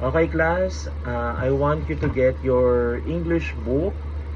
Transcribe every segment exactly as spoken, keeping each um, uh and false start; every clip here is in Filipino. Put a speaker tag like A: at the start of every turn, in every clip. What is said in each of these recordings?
A: Okay, class, uh, I want you to get your English book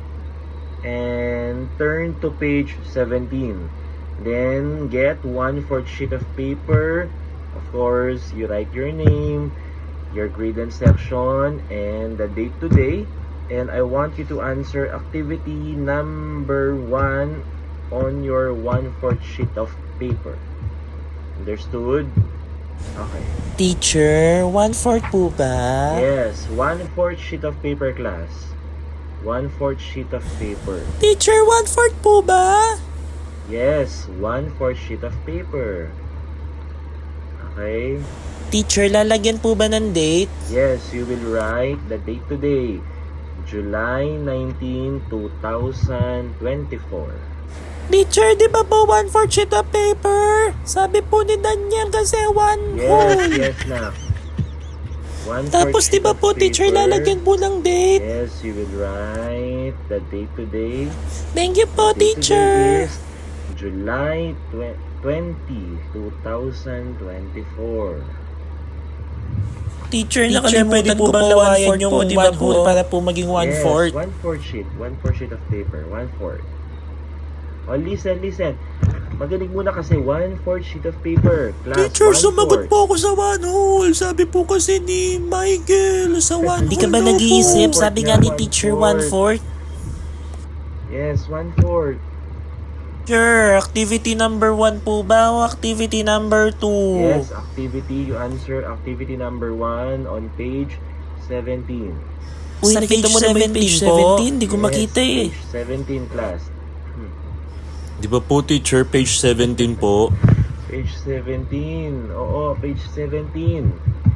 A: and turn to page seventeen. Then get one-fourth sheet of paper. Of course, you write your name, your grade and section, and the date today. And I want you to answer activity number one on your one-fourth sheet of paper. Understood? Okay.
B: Teacher, one-fourth po ba?
A: Yes, one-fourth sheet of paper, class. One-fourth sheet of paper.
B: Teacher, one-fourth po ba?
A: Yes, one-fourth sheet of paper. Okay?
B: Teacher, lalagyan po ba ng date?
A: Yes, you will write the date today. July nineteenth, two thousand twenty-four.
B: Teacher, di ba po one-fourth sheet of paper? Sabi po ni Daniel kasi one
A: Yes,
B: whole.
A: yes na. One
B: Tapos di ba po teacher, lalagyan po ng date?
A: Yes, you will write the date today.
B: Thank you po,
A: The date today
B: teacher.
A: is July twentieth, two thousand twenty-four.
B: Teacher,
C: Teacher, pwede
B: nakalimutan
C: po
B: ko
C: bang
B: po
C: lawayan
B: one-fourth
C: yung
B: po, di ba
C: one
B: po?
C: whole
B: Para po maging one-fourth.
A: Yes, one-fourth sheet. One-fourth sheet of paper. One-fourth. Oh, listen, listen. Magaling muna kasi one-fourth sheet of paper. Class,
C: Teacher,
A: one-fourth.
C: sumagot po ako sa one whole. Sabi po kasi ni Michael sa one
B: Hindi
C: whole
B: ka ba
C: daw po.
B: nag-iisip?
A: One-fourth
B: Sabi
A: nga,
B: nga ni
A: one-fourth.
B: teacher, one-fourth.
A: Yes, one-fourth.
B: Teacher, activity number one po ba o activity number two?
A: Yes, activity. You answer activity number one on page seventeen.
B: Uy,
C: Sa
B: nakita
C: page
B: mo naman yung page
C: seventeen po.
B: seventeen? Hindi ko
A: Yes,
B: makita eh.
A: Page seventeen, class.
C: Di ba po teacher, page seventeen po?
A: Page seventeen. Oo, page seventeen.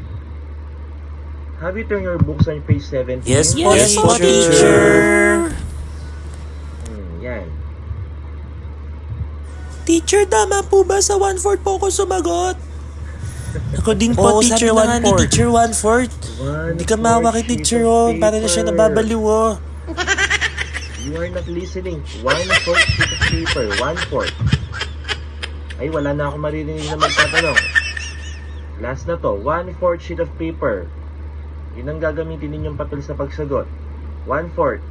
A: Have you turned your books on page seventeen?
C: Yes,
B: Yes,
C: Yes,
B: po,
C: teacher.
B: teacher.
A: Hmm, yan.
C: Teacher, tama po ba sa one-fourth po ako sumagot?
B: Ako din
C: Oo,
B: po, teacher,
C: sabi na nga ni
B: one-fourth.
C: teacher, one-fourth. Hindi ka maawa kay teacher, oh. Para na siya nababaliw, oh.
A: You are not listening. One-fourth sheet of paper. One-fourth. Ay, wala na akong maririnig na magtatanong. Last na to. One-fourth sheet of paper. Yun ang gagamitin ninyong papel sa pagsagot. One-fourth.